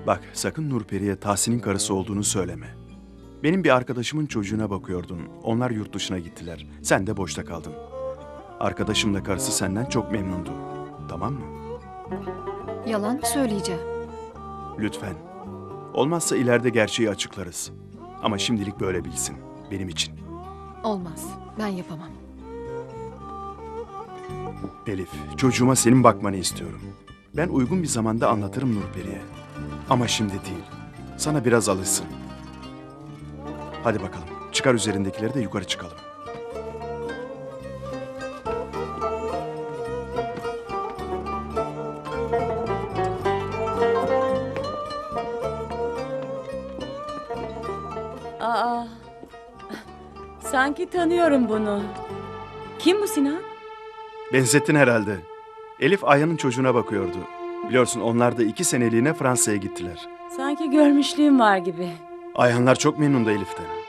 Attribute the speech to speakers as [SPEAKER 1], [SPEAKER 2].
[SPEAKER 1] Bak sakın Nurperi'ye Tahsin'in karısı olduğunu söyleme. Benim bir arkadaşımın çocuğuna bakıyordun. Onlar yurt dışına gittiler. Sen de boşta kaldın. Arkadaşımla karısı senden çok memnundu. Tamam mı?
[SPEAKER 2] Yalan mı söyleyeceğim?
[SPEAKER 1] Lütfen. Olmazsa ileride gerçeği açıklarız. Ama şimdilik böyle bilsin. Benim için.
[SPEAKER 2] Olmaz. Ben yapamam.
[SPEAKER 1] Elif, çocuğuma senin bakmanı istiyorum. Ben uygun bir zamanda anlatırım Nurperi'ye. Ama şimdi değil. Sana biraz alışsın. Hadi bakalım. Çıkar üzerindekileri de yukarı çıkalım.
[SPEAKER 3] Aa, sanki tanıyorum bunu. Kim bu Sinan?
[SPEAKER 1] Benzettin herhalde. Elif Ayhan'ın çocuğuna bakıyordu. Biliyorsun onlar da 2 seneliğine Fransa'ya gittiler.
[SPEAKER 3] Sanki görmüşlüğüm var gibi.
[SPEAKER 1] Ayhanlar çok memnundu Elif'ten.